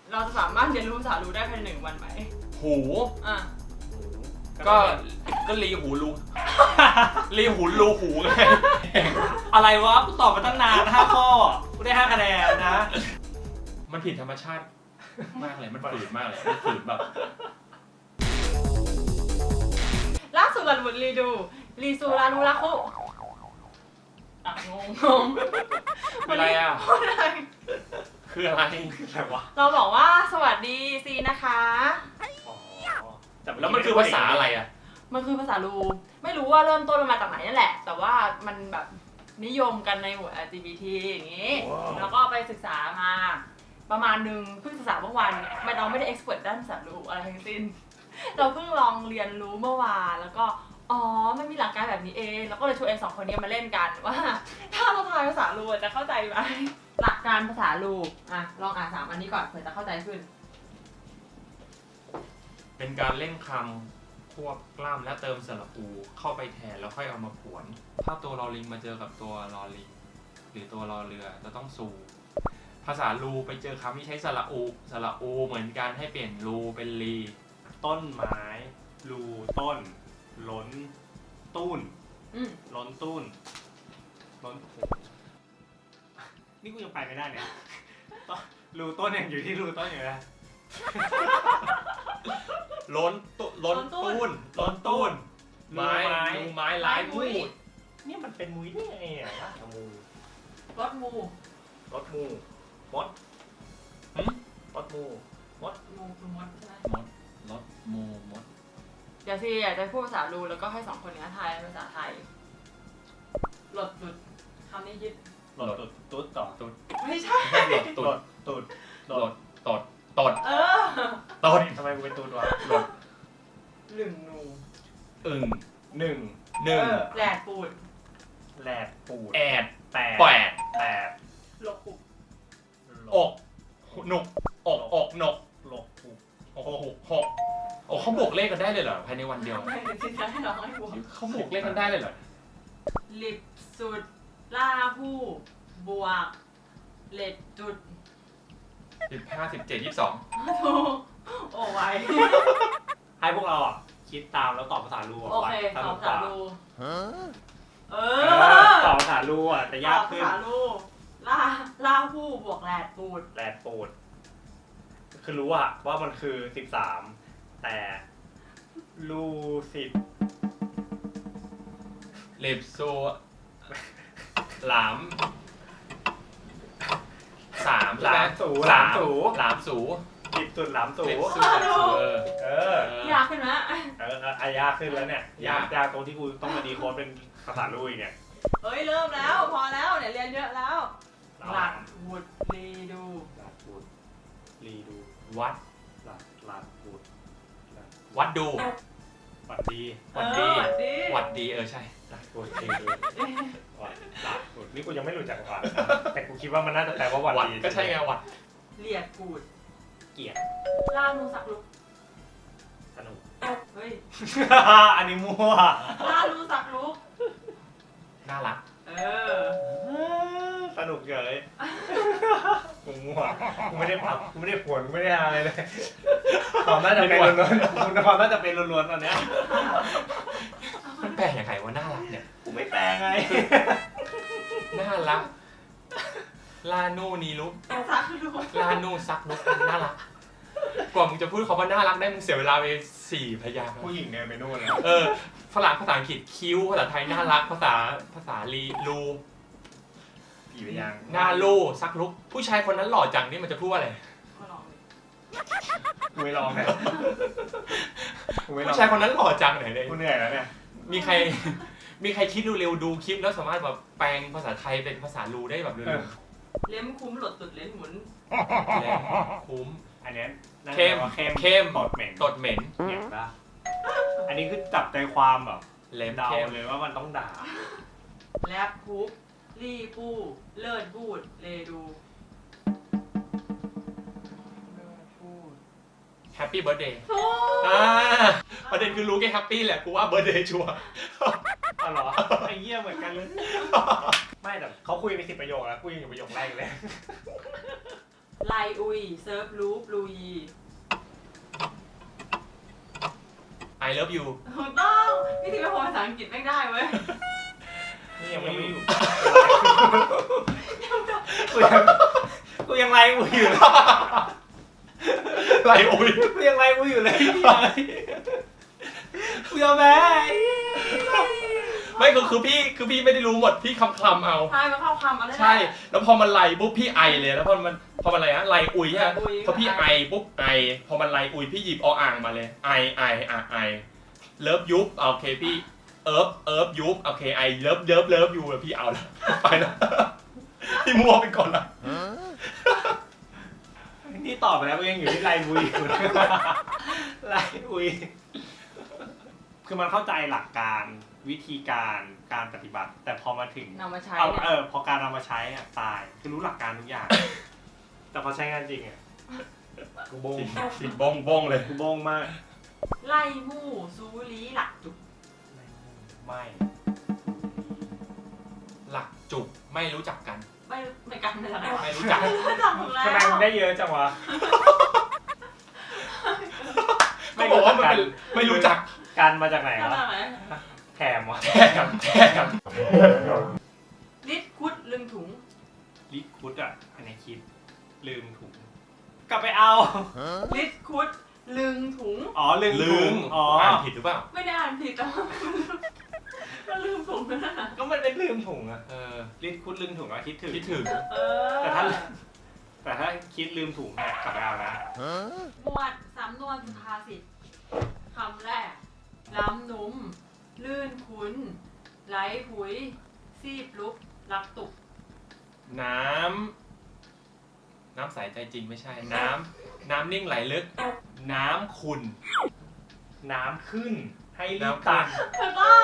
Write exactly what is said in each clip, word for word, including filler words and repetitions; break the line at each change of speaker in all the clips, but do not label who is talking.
เราจะสามารถเรียนรู้ภาษารูได้ภายในหนึ่งวันไหม
หู
อ่ะ
ก็ก็รีหูรูรีหูรูหูไง
อะไรวะกูตอบมาตั้งนานห้าข้อกูได้ห้าคะแนนนะ
มันผิดธรรมชาติมากเลยมันฝืนมากเลยมันฝืนแบบ
ล่าสุดหลันบุญรีดูรีซูรานูราคุอ่ะงงงง
คืออะไรอ่ะ
พูดอะไร
คืออะไร
อะไรวะ
เราบอกว่าสวัสดีซีนะคะ
อ๋อแต่
แล้วมันคือภาษาอะไรอ่ะ
มันคือภาษารูไม่รู้ว่าเริ่มต้นมันมาจากไหนนั่นแหละ แต่ว่ามันแบบนิยมกันในหมู่ แอล จี บี ที อย่างนี้ แล้วก็ไปศึกษามาประมาณนึงเพิ่งศึกษาเมื่อวานไม่เราไม่ได้เอ็กซ์เพรสด้านภาษารูอะไรทั้งสิ้น เราเพิ่งลองเรียนรู้เมื่อวานแล้วก็อ๋อมันมีหลักการแบบนี้เองแล้วก็เลยชวนเองสองคนนี้มาเล่นกันว่า ถ้าเราทายภาษารูจะเข้าใจไหมหลักการภาษารูอ่ะลองอ่านสามอันนี้ก่อนเผื่อจะเข้าใจขึ้น
เป็นการเล่นคำควบกล้ำและเติมสระอูเข้าไปแทนแล้วค่อยเอามาผวน ถ้าตัวลอลิงมาเจอกับตัวลอลิงหรือตัวลอเรือจะต้องซูภาษาลูไปเจอคำที่ใช้สระอูสระอูเหมือนกันให้เปลี่ยนลูเป็นลี
ต้นไม้รูต้น ล้น ตุ้น
อืม
ล้นตุ้น ล้นโอ้นี่กูยังไปไม่ได้เนี่ยต้นรูต้นยังอยู่ที่รูต้นอยู่นะ
ล้นตุล้นตุ้นล้นตุ้นไม้
ไม้
ลูไม้ร้ายพูด
เนี่ยมันเป็นมุ้ยได้ไงอ่ะนะมู
รถมู
รถมูมด
หึ
รถมูมด
มูคือมดใช่ไหม
มดรถโมมด
เดี๋ยวซีอยากจะพูดภาษารูแล้วก็ให้สองคนนี้ทายภาษาไทยหลดหลุดคำนี้ยึด
รถตุ๊ดตุ๊ดต่อ
ตุ๊ด
ไม่ใช่
ไม่ใช่หลด
ร
ตุด
ถตุ๊ด
หลดตดตด
เออ
ตด
ทำไมกูเป็นตุ๊ดวะ
หลด
หนึ่งนู
อึ่ง
หนึ่ง
หนึ่ง
เออแหลกปูด
แหลกปูด
แอด
แปด
แปด
แปด
หลกปุก
อกหนุกอกอกหนก
หลกปูด
หกหกหกโอ้เขาบวกเลขกันได้เลยเหรอภายในวันเดียว
ไม่ได้สิจะให้น้องให้บวก
เขาบวกเลขกันได้เลยเหรอ
ลิบสุดล่าหู้บวกเลดจุด
สิบห้าสิบเจ็ดยี่สิบสอง
ถูกโอ้ไว
ให้พวกเราอ่ะคิดตามแล้วตอบภาษาลู
โอเค
ส
ต
นุ
อบ
ก
ภาก ษา
ว่า
รูเอ
เอ
อ
อตอบภาษาลูอ่ะแต่ยาก
ตอบ
ขึ้น
ภาษารูล่าล่าหู้บวกแหลดปูด
แหลกปูด คือรู้อะว่ามันคือสิบสามแต่ลูสิบ
เลบโซหลามสาม
หลามสูห
สา
ลาม
ม
สู
หลามสู
สิบสุดหลามสู
เลบสูเลบสูเออ
เออ
ยากขึ้นไหม
เอออายากขึ้นแล้วเนี่ย ยาก
ยาก
ยากตรงที่กูต้องมาดีโค้ดเป็นภาษาลูอีกเนี่ย
เอ้ยเริ่มแล้วพอแล้วเนี่ยเรียนเยอะแล้ว หลักวุดรีดู
หลักปูดรีดู
วัด
หลักหลักปูดหลัก
วัดดู
หวัดดี
หวัดดี
เออหวัดดี
หวัดดีเออใช่
หลักปูดรีดูหวัดหลักปูดนี่กูยังไม่รู้จักหวัดแต่กูคิดว่ามันน่าจะแปลว่าหวัด
วัด
ดี
ก็ใช่ไงวัด
เลียดปูด
เกลียด
ล่านูสักลุก
สนุก
เฮ้ย
อันนี้มั่ว
ล่านูสักลุก
น่ารัก
เออ
สนุกเฉยกูมั่วกูไม่ได้พับกูไม่ได้ผวนกูไม่ได้อะไรเลยความน่าจะเป็นล้วนๆคุณความน่าจะเป็นล้วนๆตอนเนี้ย
มันแปลยังไงว่าน่ารักเนี่ย
กูไม่แปลไง
น่ารักลานูนีลุก
สักลุก
ลานูซักลุกน่ารักกว่ามึงจะพูดคำว่าน่ารักได้มึงเสียเวลาไปสี่พยางค์
ผู้หญิงเนี่ยไปนู่นแล้ว
เออฝรั่งภาษาอังกฤษคิ้วภาษาไทยน่ารักภาษาภาษาลีลู
กี่ไปยัง
หน้าลูซักลุกผู้ชายคนนั้นหล่อจังนี่มันจะพูดว่าอะไร
มาลองดิ
กูไม่ลองเนี่ยกูไม่ลอง
ผู้ชายคนนั้นหล่อจังไหนเลย
กูเหนื่อยแล้วเนี่ย
มีใครมีใครคิดดูเร็วดูคลิปแล้วสามารถแบบแปลงภาษาไทยเป็นภาษาลูได้แบบเร็ว
เล้มคุ้มหลดตุดเล้นหมุน
ๆแล้วคุ้ม
อันเนี้ยน่าจะ
เข้ม
ว่าเข้ม
เข้ม
ตดเหม็น
ตดเหม็น
เห็นปะอันนี้คือจับใจความแบบ
เล็ม
เดา
เข้ม
เลยว่ามันต้องด่า
แลบคุกรีปูเลิศบูดเลดูเลิศบูด
แฮปปี้เบิร์ดเดย์
ถูก
อ่าประเด็นคือรู้แค่แฮปปี้แหละกูว่าเบิร์ดเดย์ชัวร์
อ๋อเหรอไอ้เหี้ยเหมือนกันเลย ไม่แต่เขาคุยไปสิบประโยคแล้วกูยังอยู่ประโยคแรกเลย
ลไลอุยเซิร์ฟลูปลูยี
I love you
ถูกต้องพี่ทีไปโพสภาษาอังกฤษไม่ได้เว้ย
นี่ยังไม่อยู่กูยังกูยังไล่กูอยู่
ไลอุย
กูยังไล่กูอยู่เลยกูยอมแพ้
ไม่คือคือพี่คือพี่ไม่ได้รู้หมดพี่คำคำเอา
ใช่มาเข้าคำอะไร
ใช่ แล้วพอมันไลปุ๊บพี่ไอเลยแล้วพอมันพอมันอะไรนะไลอุยใช่ไหม
ไลอุย
พอพี่ไอปุ๊บไอพอมันไลอุยพี่หยิบเอาอ่างมาเลยไอไออ่ะไอเลิฟยุบโอเคพี่เอิร์ฟเอิร์ฟยุบโอเคไอเลิฟเลิฟเลิฟยูพี่เอาแล้วไปแล้วพี่มัวไปก่อนละ
นี่ตอบไปแล้วกูยังอยู่ที่ไล่บุยอยู่ไล่บุยคือมันเข้าใจหลักการวิธีการการปฏิบัติ แต่พอมาถึง
นำมาใช้
เอา
เนี่ย
เออพอการเอามาใช้อ่ะตายคือรู้หลักการทุกอย่าง แต่พอใช้งานจริงอ่ะกูบง
จริงจริงบงบงเลย
กูบงมาก
ไล่มู่ซูลีหลักจุก
ไม่
หลักจุกไม่รู้จักกัน
ไม่ไม่กันไม่ได้
ไม่รู้จัก
ไม่จักหมดแล้ว
ทำไมมึงได้เยอะจังวะ
ก็บอกว่ามันเป็นไม่รู้จัก
การมาจากไหน
ข
วะ
นาดไหน
แถมวะ
แถมแถม
ลิดคุดลึงถุง
ลิคุดอ่ะอันนี้คิดลืมถุงกลับไปเอา
ลิดคุดลึงถุง
อ๋อลืม
ลื
ถุ
ม
งอ๋อ
อ่านผิดหรือเปล่า
ไม่ได้อ่านผิดแต่ว่ามันลืมถุงนั่นน่ะ
ก็มันเป็นลืมถุงอะ
เออ
ลิคุดลืมถุงอะคิดถึง
คิดถึง
เออ
แต่ถ้า แต่ถ้าคิดลืมถุงเนี่ยกลับไปเอานะ
หมวดสำนวนสุภาษิตคำแรก ล้ำนุ่ม ลื่นคุ้นไหลผุย ซีบลุกรักตุก
น้ำน้ำใสใจจริงไม่ใช่ น้ำน้ำนิ่งไหลลึก น้ำขุ่น
น้ำขึ้นให้รีบ
น้ำขึ้
ตั
น
ก
ถูกต้อง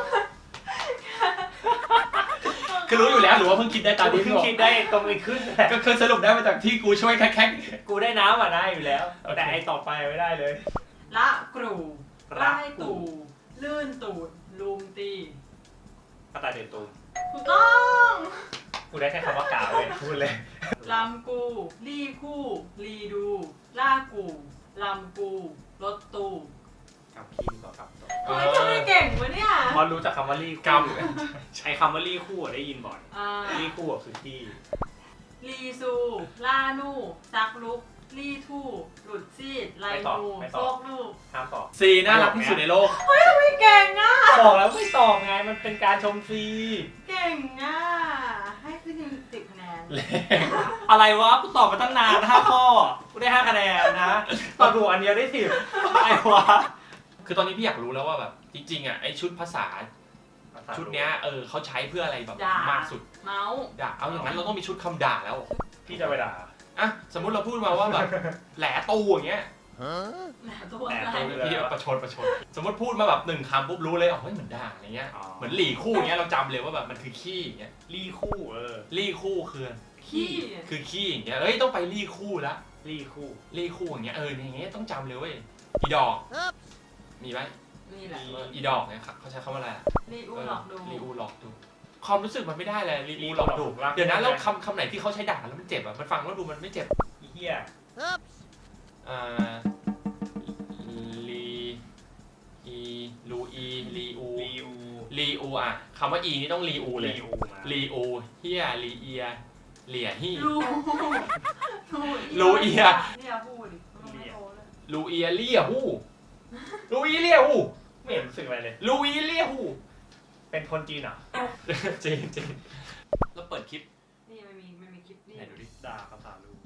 คือรู้อยู่แล้วหรือว่าเพิ่งคิดได้ตอน
กู
นี้
เพิ่
พี่
ง
บอก
คิดได้ตรงไปขึ้นแหละ
ก็คือสรุปได้มาจากที่กูช่วยแคก
กูได้น้ำอ่ะได้อยู่แล้ว
โอเค
แต่ไอต่อไปไม่ได้เลย
ละกรู
ละ
ไล่ตู่ลื่นตูดลุมตี
กระต่ายเดือดตูม
ถูกต้อง
กูได้แค่คำว่ากล่าวเลยพูดเลย
ลำกูลี่คู่ลีดูล่ากูลำกูรถตู
กับพี่ต่อกับต่อ
ๆ
ทำไมทำไมเก่งวะเนี่ย
พอรู้จักคำว่ารี
กรร
คู่
ม
ใช้คำว่ารีคู่อะได้ยินบ่อย
อ่า
รีคู่อะคือที่
ลีซูล่านู่ซักลุกลี่ทู่หลุดซีดไลนูโซกลูก
ห้ามตอบ
ซีน่ารักที่สุดในโลก
ไม่เก่งอ่ะ
บอกแล้วไม่ตอบไงมันเป็นการชมฟรี
เก่งอ่ะให้ขึ้นสิบคะแนน
อะไรวะกูตอบมาตั้งนานห้าข้อกูได้ห้าคะแนนนะตอบถูกอันเดียวได้สิบอะไรวะ
คือตอนนี้พี่อยากรู้แล้วว่าแบบจริงๆอ่ะไอชุดภาษาชุดเนี้ยเออเขาใช้เพื่ออะไรแบบ
ด่าม
ากสุด
เมาส์
ด่าเอาอย่างนั้นเราต้องมีชุดคำด่าแล้ว
พี่จะไปด่า
อ่ะสมมุติเราพูดมาว่าแบบแหลตูอย่างเงี้ย
แหมตัว
แหม
อะไร
ตัว
พี่ประชดประชดสมมติพูดมาแบบหนึ่งคำปุ๊บรู้เลยอ๋อเฮ้ยเหมือนด่าอะไรเงี้ย
อ๋อ
เหมือนหลี่คู่อย่างเงี้ยเราจำเลยว่าแบบมันคือขี้อย่างเงี้ย
รีคู่เออ
หลี่คู่คือ
ขี้
คือขี้อย่างเงี้ยเอ้ยต้องไปหลี่คู่ละ
รีคู่
หลี่คู่อย่างเงี้ยเอออย่างเงี้ยต้องจำเลยเว้ยอีดอกมีไหม
นี่แหละ
อีดอกเนี่ยครับเขาใช้คำว่าอะไรอะ
รีอูหลอกดู
รีอูหลอกดูความรู้สึกมันไม่ได้เลยรีอูหลอกดูเดี๋ยวนะแล้วคำคำไหนที่เขาใช้ด่าแล้วมันเจ็บอ่ะมันฟังแล้วดูมันไม่เจ็บ
อีเหี้ย
อ่าลีอีลูอีลีอู
รีอู
ลีอูอ่ะคำว่าอีนี่ต้องลีอูเลย
รีอูมา
ลีอูเฮียลีเอียเหลี่ยฮี่
รู
รูเอีย
เนี่ยพูดดิมันไม่โตเลย
ลูเอียเลี่ยหู้ลูอีเลี่ยหู้
ไม่เห็นรู้สึกอะไรเลย
ลูอีเลี่ยหู้
เป็นคนจีนเหรอ
จริงจริงแล้วเปิดคลิป
นี่มันมีมันมีคลิปนี่
ไหนดูดิ
ด่าภาษาลู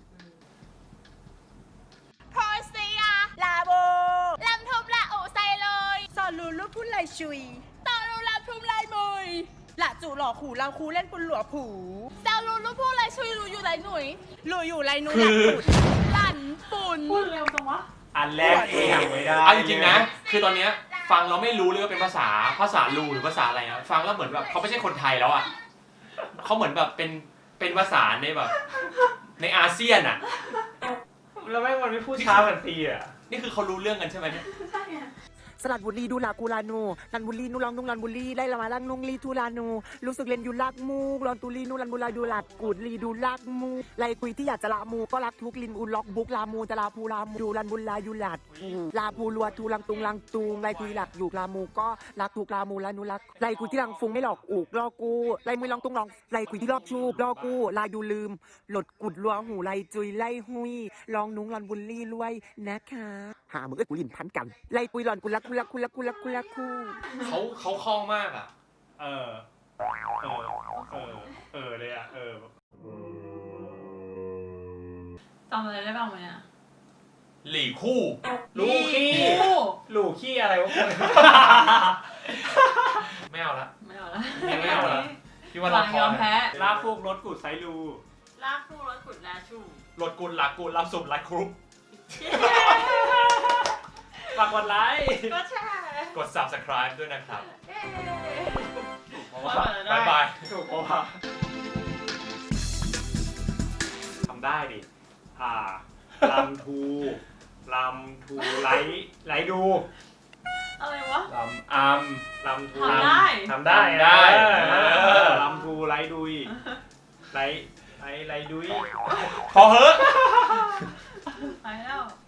โพสเซียลาโบลำทุบละอุใส่เลยสอนรูลูกพุ่นไหลชุยต่อรูลำทุบไหลมุยละจู่หล่อขู่เราคูเล่นปุนหลัวผูแซวรูลูกพุ่นไหลชุยรูอยู่ไหลหนุ่ยรูอยู่ไหลหนุ่ยหลันปุดหลั่นปุ่น
พูดเร็วจังวะ
อันแรกเองไม่ได้
เอาจริงๆนะ คือตอนเนี้ยฟังเราไม่รู้เลยว่าเป็นภาษาภาษาลูหรือภาษาอะไรนะฟังแล้วเหมือนแบบเขาไม่ใช่คนไทยแล้วอ่ะเขาเหมือนแบบเป็นเป็นภาษาในแบบ ในอาเซียนอ่ะ
แล้วแม่งมันไม่พูดช้าเหมือนตีอ่ะ
นี่คือเขารู้เรื่องกันใช่ไหมเนี่ย
ใช่ไง
สลัดบุรีดูลากูลานูลันบุรีนูลองนุ่งลันบุรีไล่ละมาลังนุ่งลีทูลานูรู้สึกเล่นอยู่ลากมูกลอนตุลีนูลันบุลาดูลาดกูดลีดูลากมูไล่คุยที่อยากจะลามูก็รักทุกลินอุล็อกบุกลามูจะลาภูลามูดูลันบุลาอยู่ลาดลาภูลัวทูลังตุงลังตุงไล่คุยหลักอยู่ลามูก็รักทุกลามูลานูรักไล่คุยที่ลังฟุงไม่หลอกอุกลอกูไล่มือลองตุงลองไล่คุยที่รอบชูลอกูลายดูลืมหลดกุดลัวหูไล่จุยไล่หุยลองนุ้งลันบุลี่รวยนะคะหามือเอ้ยกูลินพันกันไล่ปุยหลอนกุลักกุลักกุลักกุลักกุลักคู่
เขาเขาคล่องมากอ่ะ
เออ เออ เออ เออเลยอ่ะ เออ
จำอะไรได้บ้างไหมเนี่ย
หลี่คู่
ลูกขี้
คู่
ลูกขี้อะไรวะคุณ
ไม่เอาละ
ไม่เอาละ
ไม่เอาละพี่ว่า
ห
เรา
ลัง
พอย
อมแพ้
ลาฟูกรถกุดไซรู
ลากคู่รถขุดแลชู
รถกุลลักกุลรับสุดไลค์กรุ๊ป
ฝากกดไลค์
ก็แช่
กด subscribe ด้วยนะครับ
เย้
เพราะว่า
บ๊ายบาย
ถูกเพราะว่าทำได้ดิ อ่าลำทูลำทูไลท์ไลท์ดู
อะไรวะ
ลำอัมลำทู
ทำได้
ทำได้
ทำได้
เออ
เออ
ลำทูไลท์ดุยไลท์ไลท์ไลท์ดุย
พอเหอะ
ไปแล้ว